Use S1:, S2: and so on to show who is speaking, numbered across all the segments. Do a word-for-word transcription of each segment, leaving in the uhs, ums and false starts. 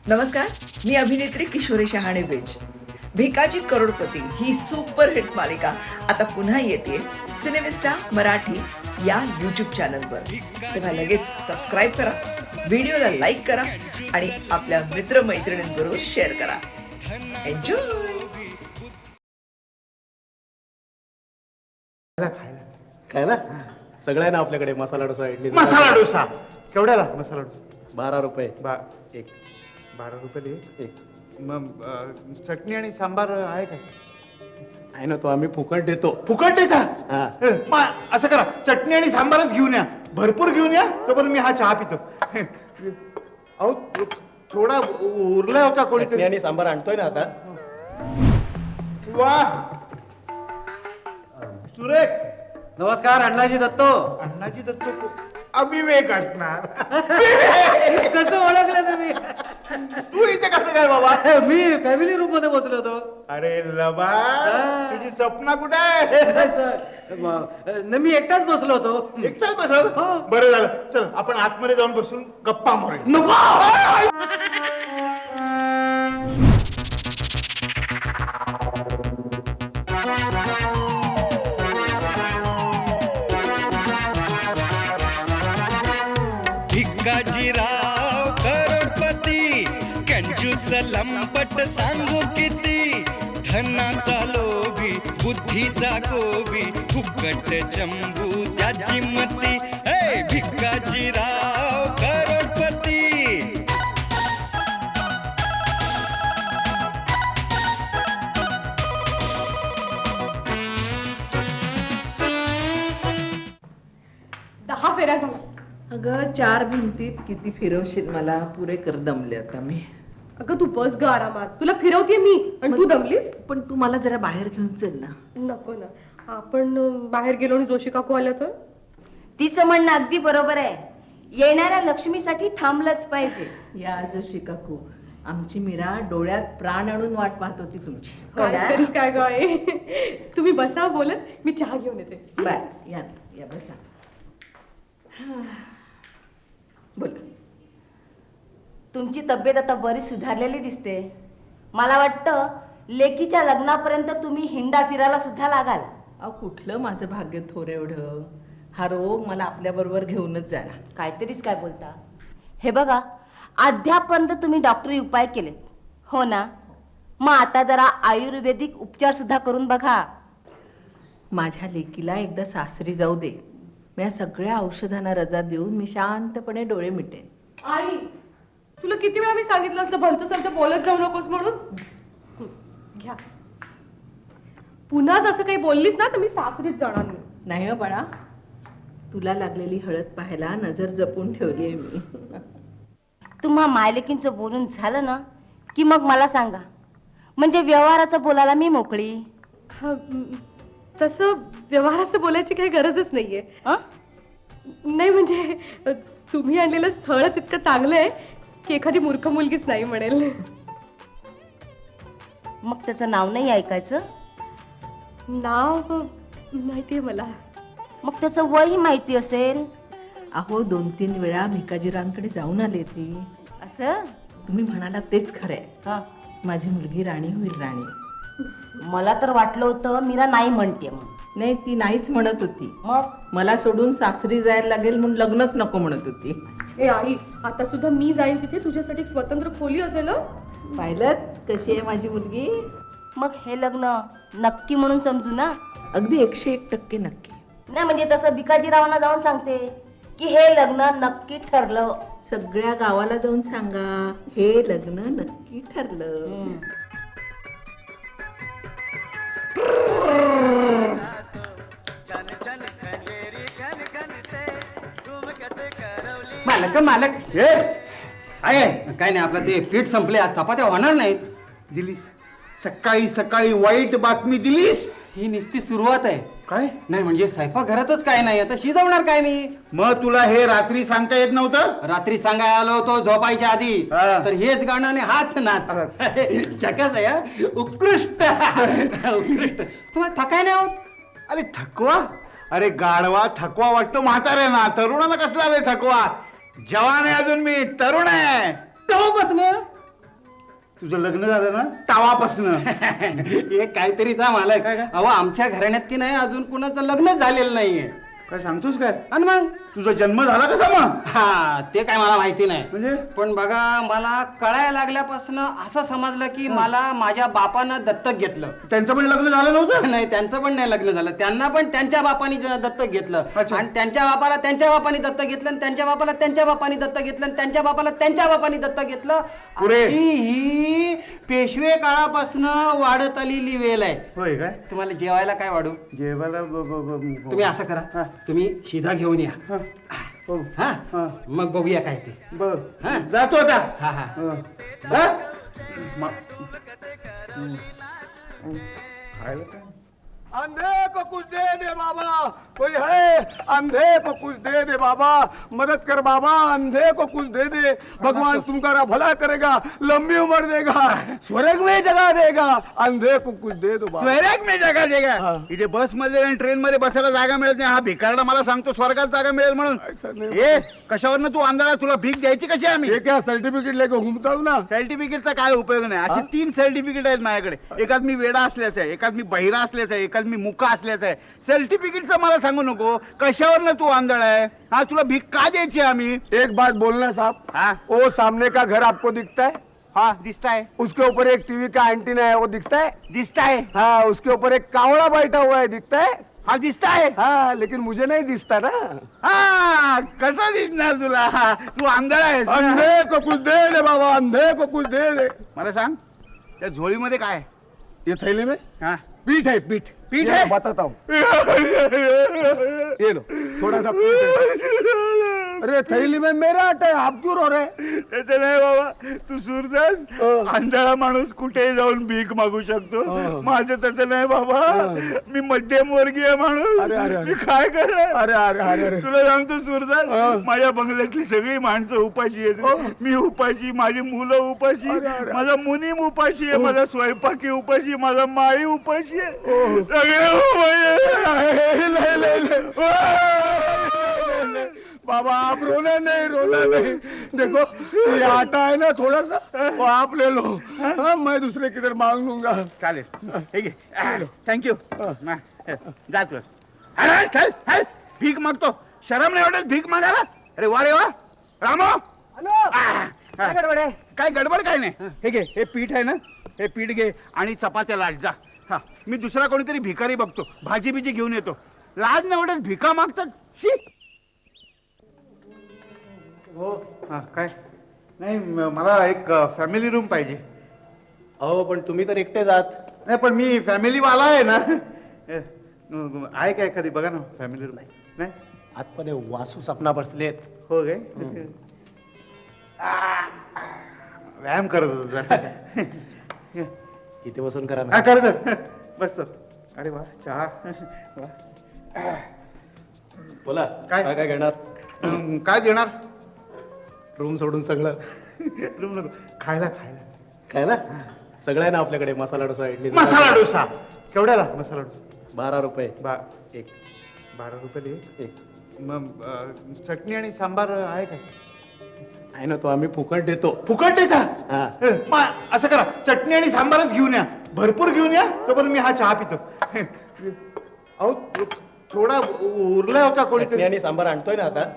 S1: नमस्कार, मी अभिनेत्री किशोरी शहाणे बेज. भिकाजी करोडपती ही सुपरहिट मालिका आता पुन्हा येते सिनेमिस्टा मराठी या यूट्यूब चॅनलवर. तेव्हा लगेच सबस्क्राईब करा, व्हिडिओला लाईक करा आणि आपल्या मित्रमैत्रिणींबरोबर शेअर करा. एन्जॉय.
S2: काय ना सगळं आहे ना आपल्याकडे. मसाला डोसा, इडली,
S3: मसाला डोसा केवढ्याला? मसाला डोसा
S2: बारा रुपये
S3: बा
S2: एक.
S3: बारा रुपये
S2: एक
S3: मग अं, चटणी आणि सांबार आहे का?
S2: आहे ना, तो आम्ही फुकट देतो.
S3: फुकट देता?
S2: हा.
S3: हं, मग असं करा, चटणी आणि सांबारच घेऊन या, भरपूर घेऊन या, तोपर्यंत मी हा चहा पितो. अहो थोडा उरला होता
S2: चटणी
S3: कोणीतरी.
S2: आणि सांबार आणतोय ना आता.
S3: वा सुरेख.
S2: नमस्कार, अण्णाजी दत्तो.
S3: अण्णाजी दत्त को- अविवेक असणार.
S2: कसं ओळखलं तुम्ही?
S3: तू इथे कसं काय बाबा?
S2: मी फॅमिली रूम मध्ये बसलो होतो.
S3: अरे लबा,
S2: हा.
S3: तुझी स्वप्न कुठे आहे?
S2: न मी एकटाच बसलो होतो.
S3: एकटाच बसल? बरं झालं, चल आपण आतमध्ये जाऊन बसून गप्पा मारूया.
S2: नको.
S4: भिकाजीराव करोडपती, कंजूस लंपट सांगू किती, धनाचा लोभी बुद्धीचा गोबी, फुकट चंबू त्याची मती. हे भिकाजीराव करोडपती.
S5: दहा फेऱ्या झाल्या.
S6: अगं चार भिंतीत किती फिरवशील मला? पुरे कर दमले आता मी.
S5: अगं तू बस ग आरामात, तुला फिरवते मी आणि तू दमलीस.
S6: पण तू मला जरा बाहेर घेऊन चल ना.
S5: नको ना, आपण अं, बाहेर गेलो आणि जोशी काकू आल्या तर.
S7: तिचं म्हणणं अगदी बरोबर आहे. येणाऱ्या लक्ष्मीसाठी थांबलंच पाहिजे.
S6: या जोशी काकू, आमची मीरा डोळ्यात प्राण आणून वाट पाहत होती तुमची.
S5: काय तरीच काय ग आहे. तुम्ही बसा बोलत, मी चहा घेऊन येते.
S6: बाय, या या बसा. बोल.
S7: तुमची तब्येत आता बरी सुधारलेली दिसते. मला वाटतं लेकीच्या लग्नापर्यंत तुम्ही हिंडा फिरायला सुद्धा लागाल.
S6: अहो कुठलं माझं भाग्य थोर एवढं. हा रोग मला आपल्या बरोबर घेऊनच जाणार.
S7: काहीतरीच काय बोलता. हे बघा, अद्यापर्यंत तुम्ही डॉक्टरी उपाय केलेत हो ना, मग आता जरा आयुर्वेदिक उपचार सुद्धा करून बघा.
S6: माझ्या लेकीला एकदा सासरी जाऊ दे. मी या सगळ्या औषधांना रजा देऊन मी शांतपणे डोळे मिटेन.
S5: आई, तुला किती वेळा मी सांगितलं असलं भलतं सलतं बोलत जाऊ नकोस म्हणून. हं, घ्या. पुन्हाच असं काही बोललीस ना तर मी सासरीच जाणार नाही.
S6: नाही हो बाळा, तुला लागलेली हळद पाहायला नजर जपून ठेवली आहे मी.
S7: तुम्हा मायलेकींचं बोलून झालं ना की मग मला सांगा, म्हणजे व्यवहाराचं बोलायला मी मोकळी.
S5: हा, म, तसं व्यवहाराचं बोलायची काही गरजच नाहीये.
S7: हं?
S5: नाही म्हणजे अ, तुम्ही आणलेलं स्थळच इतकं चांगलं आहे की एखादी मूर्ख मुलगीच नाही म्हणेल.
S7: मग त्याचं नाव नाही ऐकायचं?
S5: नाव माहितीये मला.
S7: मग त्याचं वयही माहिती असेल.
S6: अहो दोन तीन वेळा भिकाजीरांकडे जाऊन आले ती.
S7: असं?
S6: तुम्ही म्हणाला तेच खरंय.
S7: हा.
S6: माझी मुलगी राणी होईल, राणी.
S7: मला तर वाटलं होतं मीरा नाही म्हणते मग.
S6: नाही, ती नाहीच म्हणत होती.
S7: मग
S6: मला सोडून सासरी जायला लागेल म्हणून लग्नच नको म्हणत होती.
S5: ए आई, आता सुद्धा मी जाईन तिथे, तुझ्यासाठी एक स्वतंत्र खोली असेल हं?
S6: पाहिलं कशी आहे माझी मुलगी?
S7: मग हे लग्न नक्की म्हणून समजू ना.
S6: अगदी एकशे एक टक्के नक्की.
S7: नाही म्हणजे तसं भिकाजीरावांना जाऊन सांगते की हे लग्न नक्की ठरलं.
S6: सगळ्या गावाला जाऊन सांगा, हे लग्न नक्की ठरलं.
S7: हम्म.
S8: मालक मालक
S3: हे आहे
S8: काय नाही, आपलं ते पीठ संपले, आज चपात्या होणार नाहीत.
S3: दिलीस सकाळी सकाळी वाईट बातमी दिलीस.
S8: ही नुसती सुरुवात आहे.
S3: काय?
S8: नाही म्हणजे स्वयंपाक घरातच काय नाही, आता शिजवणार काय मी?
S3: मग तुला हे रात्री सांगता येत नव्हतं?
S8: रात्री सांगायला आलो होतो झोपायच्या आधी,
S3: हा.
S8: तर हेच गाणं आणि हाच नाच. जगाच आहे हा. उत्कृष्ट उत्कृष्ट. तुम्हाला थकाय नाही होत?
S3: अरे थकवा? अरे गाढवा थकवा वाटतो म्हाताऱ्यांना, तरुणांना कसला आले थकवा? जवान आहे अजून मी, तरुण आहे.
S8: कवा बसलं?
S3: तुझं लग्न झालं ना तावापासनं.
S8: हे काहीतरीचा मालक
S3: काय, काय?
S8: अहो आमच्या घराण्यात की नाही अजून कुणाचं लग्न झालेलं नाहीये.
S3: काय सांगतोस काय?
S8: आणि मग
S3: तुझा जन्म झाला कसा मग?
S8: हा ते काय मला माहिती नाही.
S3: म्हणजे?
S8: पण बघा मला कळायला लागल्यापासून असं समजलं की मला माझ्या बापानं दत्तक घेतलं.
S3: त्यांचं पण लग्न झालं नव्हतं?
S8: नाही त्यांचं पण नाही लग्न झालं. त्यांना पण त्यांच्या बापानी ज- दत्तक घेतलं
S3: अच्छा.
S8: आणि त्यांच्या बापाला त्यांच्या बापानी दत्तक घेतलं आणि त्यांच्या बापाला त्यांच्या बापानी दत्तक घेतलं आणि त्यांच्या बापाला त्यांच्या बापानी दत्तक घेतलं.
S3: पुरे.
S8: अशी ही पेशवे काळापासून वाढत आलेली वेल आहे.
S3: होय काय?
S8: तुम्हाला जेवायला काय वाढू?
S3: जेवायला ब- ब- ब-
S8: तुम्ही असं करा
S3: हा.
S8: तुम्ही शिधा घेऊन या.
S3: हा. हो.
S8: हा
S3: हा.
S8: मग बघूया काय ते.
S3: बर
S8: हा.
S3: जातो आता.
S8: हा हा
S3: हा. हा? मा- हम्म. हम्म. खायला काय?
S2: अंधे को कुछ दे दे बाबा, कोई है अंधे को कुछ दे दे बाबा, मदद कर बाबा, अंधे को कुछ दे दे, भगवान तुम्हारा भला करेगा, लंबी उम्र देगा, स्वर्ग में जगह देगा, अंधे को कुछ दे दो बाबा.
S3: स्वर्ग मी जागा देगा.
S2: हा.
S3: इथे बस मध्ये आणि ट्रेन मध्ये बसायला जागा मिळत नाही. हा भिकारडा मला सांगतो स्वर्गात जागा मिळेल म्हणून.
S2: ऐसा नहीं.
S3: ए कशावरनं तू आंधळा? तुला भीक द्यायची कशी आम्ही?
S2: ये क्या सर्टिफिकेट लेके घूमता हूँ ना.
S3: सर्टिफिकेटचा काय उपयोग नाही. अशी तीन सर्टिफिकेट आहेत माझ्याकडे. एकात मी वेडा असल्याचं आहे, एकात मी बहिरा असल्याचं आहे, एकात मी मुका असल्याचं आहे. सर्टिफिकेटचं मला सांगू नको. कशावरनं तू आंधळा आहे? हा तुला भीक का द्यायची आम्ही?
S2: एक बात बोलना साहब,
S3: हाँ
S2: वो सामने का घर आपको दिखता है,
S3: हा दिसताय
S2: उसके ऊपर एक टीवी का एंटीना है वो दिखता है,
S3: दिसताय
S2: हाँ उसके ऊपर एक कावड़ा बैठा हुआ है दिखता है,
S3: हा दिसताय.
S2: हाँ लेकिन मुझे नहीं दिखता ना.
S3: हा कसं दिसणार तुला? हा, तू आंधळा आहेस ना?
S2: अंधे को कुछ दे दे बाबा, अंधे को कुछ दे दे.
S3: मला सांग त्या झोळीमध्ये काय आहे?
S2: ये थैली में
S3: हा
S2: पीठ है, पीठ
S3: पीठ
S2: ये
S3: है?
S2: लो, बताता हूँ. ये लो थोड़ा सा पीठ है. अरे थैली में मेरा आटा है, आप क्यों रो रहे हैं?
S3: त्याचं नाही बाबा. तू सूरदास
S2: हं.
S3: आंधळा माणूस कुठेही जाऊन भीक मागू शकतो.
S2: हं.
S3: माझं तसं नाही बाबा.
S2: हं.
S3: मी मध्यम वर्गीय माणूस.
S2: अरे, अरे, अरे.
S3: मी काय करणार?
S2: अरे अरे अरे अरे
S3: तुला सांगतो सूरदास,
S2: हं.
S3: माझ्या बंगल्यातली सगळी माणसं उपाशी आहेत.
S2: हं.
S3: मी उपाशी, माझी मुलं उपाशी,
S2: अरे, अरे.
S3: माझा मुनीम उपाशी आहे,
S2: हं.
S3: माझा स्वयंपाकी उपाशी, माझा माई उपाशी आहे.
S2: हं.
S3: सगळे उपाशी आहे.
S2: ले, ले, ले. बाबा आप रोना नहीं, रोना नहीं. देखो ये आटा है ना थोड़ा सा, वो आप ले लो. हाँ मैं दूसरे किधर मांग लूंगा.
S3: चालेल ठीक आहे. थँक्यू. जा तू. अरे चल चल. भीक मागतो. शरम नाही वाटत भीक मागायला? अरे वा रे वा. रामो आ,
S8: काय गडबड आहे?
S3: काय गडबड काय नाही. हे घे, हे पीठ आहे ना, हे पीठ घे आणि चपात्या लाट जा. हा मी दुसरा कोणीतरी भिकारी बघतो, भाजी बिजी घेऊन येतो. लाज नाही वाटत भिका मागतात. शी. हो हा काय नाही म- मला एक फॅमिली रूम पाहिजे.
S2: अहो पण तुम्ही तर एकटे जात.
S3: नाही पण मी फॅमिली वाला आहे ना. ए, न- आहे का एखादी बघा ना फॅमिली रूम. नाही
S2: आतमध्ये वासू सपना बसलेत.
S3: हो काय? आ, व्यायाम करत होतो जरा.
S2: इथे बसून करा
S3: हा
S2: ना.
S3: करतो बसतो. अरे वा चहा वा.
S2: बोला
S3: काय?
S2: काय काय घेणार?
S3: अं, काय देणार?
S2: रूम सोडून सगळं
S3: रूम नको. खायला खायला
S2: काय ना सगळं आहे ना आपल्याकडे. मसाला डोसा, इडली,
S3: मसाला डोसा. केवढ्याला मसाला डोसा?
S2: बारा रुपये
S3: बा
S2: एक.
S3: बारा रुपये एक.
S2: एक
S3: मग अं, चटणी आणि सांबार आहे का?
S2: आहे ना तो आम्ही फुकट देतो.
S3: फुकट देता?
S2: हा.
S3: अं, मग असं करा चटणी आणि सांबारच घेऊन या. भरपूर घेऊन या तोपर्यंत मी हा चहा पितो. अहो थोडा उरला होता
S2: चटणी
S3: कोणीतरी.
S2: आणि सांबार आणतोय ना आता.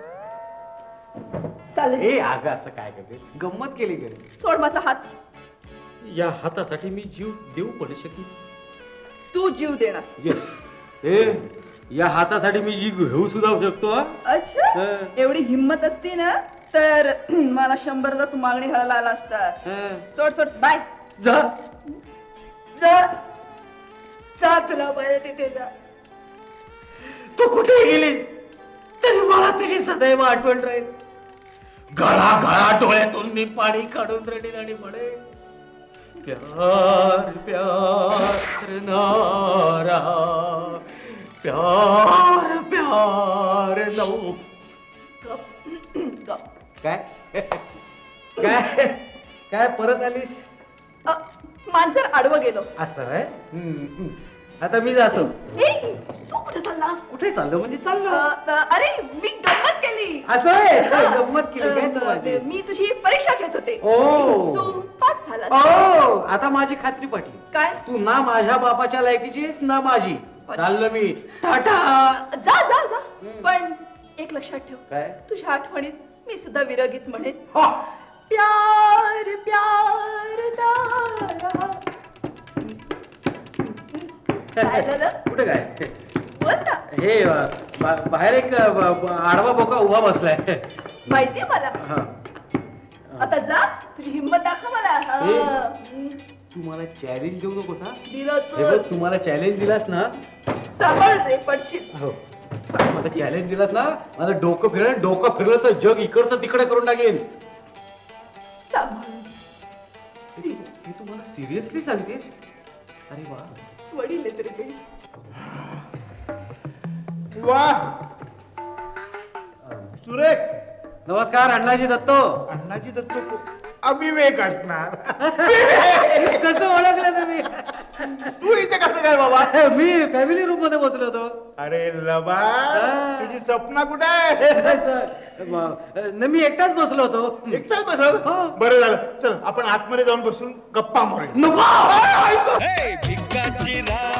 S5: चालेल.
S9: ए अगं असं काय करते? गंमत केली घरी.
S5: सोड माझा हात.
S9: या हातासाठी मी जीव देऊ पडू शकेल.
S5: तू जीव देणार.
S9: येस. ए या हातासाठी मी जीव घेऊ सुद्धा शकतो हा?
S5: अच्छा
S9: हं.
S5: एवढी हिंमत असती ना तर मला शंभरला तू मागणी घालायला आला असता.
S9: हं.
S5: सोड सोड बाय.
S9: जा.
S5: जा जा तुला बाहेर तिथे जा.
S9: तू कुठे गेलीस तरी मला तुझी सदैव आठवण राहील. गळा गळा डोळ्यातून मी पाणी काढून रडीन आणि म्हणे प्यार प्यार नारा प्यार प्यार नऊ.
S5: गप.
S9: काय काय काय परत आलीस?
S5: अ, मांजर आडवं गेलो.
S9: असं आहे. हम्म, हम्म. आता मी जातो.
S5: ए, तू कुठे चाललास?
S9: कुठे चाललो म्हणजे
S5: अ,
S9: चाललो.
S5: अ, अरे मी गंमत केली.
S9: असं आहे.
S5: हा.
S9: गंमत केली काय तू
S5: अ,
S9: माझी?
S5: मी तुझी परीक्षा घेत होते.
S9: ओ.
S5: तू पाच
S1: नापास झाला
S8: ओ आता माझी खात्री पटली.
S1: काय?
S8: तू ना माझ्या बापाच्या लायकीची आहेस ना माझी. चाललो मी टाटा.
S1: जा जा जा पण एक लक्षात ठेव
S8: काय?
S1: तुझ्या आठवणीत मी सुद्धा विरगीत म्हणेन.
S8: हा.
S1: प्यार प्यार दारा. काय झालं?
S8: कुठे काय?
S1: बोल ना.
S8: हे अ, बा- बाहेर एक अ, ब- ब- आडवा बोका उभा बसलाय.
S1: माहितीये मला.
S8: हा.
S1: आता जा तुझी हिंमत दाखव मला. हा.
S8: ए.
S1: हम्म.
S8: तू मला चॅलेंज देऊ नकोस हा.
S1: दिलं
S8: हे बघ
S1: चल.
S8: तू मला चॅलेंज दिलास ना.
S1: सांभाळ रे पडशील.
S8: हो मला चॅलेंज दिलास ना. माझं डोकं फिरलं डोकं फिरलं तर जग इकडचं तिकडे करून टाकेन.
S1: सांभाळ.
S8: हे तू मला सिरियसली सांगतेस? अरे वा.
S1: वडील आहे तरी काही.
S3: वा
S8: सुरेख. नमस्कार अण्णाजी दत्तो.
S3: अण्णाजी दत्त अविवेक असणार.
S8: कसं ओळखलं तुम्ही?
S3: तू इथे कसं काय बाबा?
S8: मी फॅमिली रूम मध्ये बसलो होतो.
S3: अरे लबा
S8: हा.
S3: तुझी स्वप्न कुठे आहे?
S8: सर, म- न, मी एकटाच बसलो होतो.
S3: एकटाच बसल.
S8: हो.
S3: बरं झालं. चल आपण आतमध्ये जाऊन बसून गप्पा मारूया.
S8: नको.
S4: हे भिकाजी राव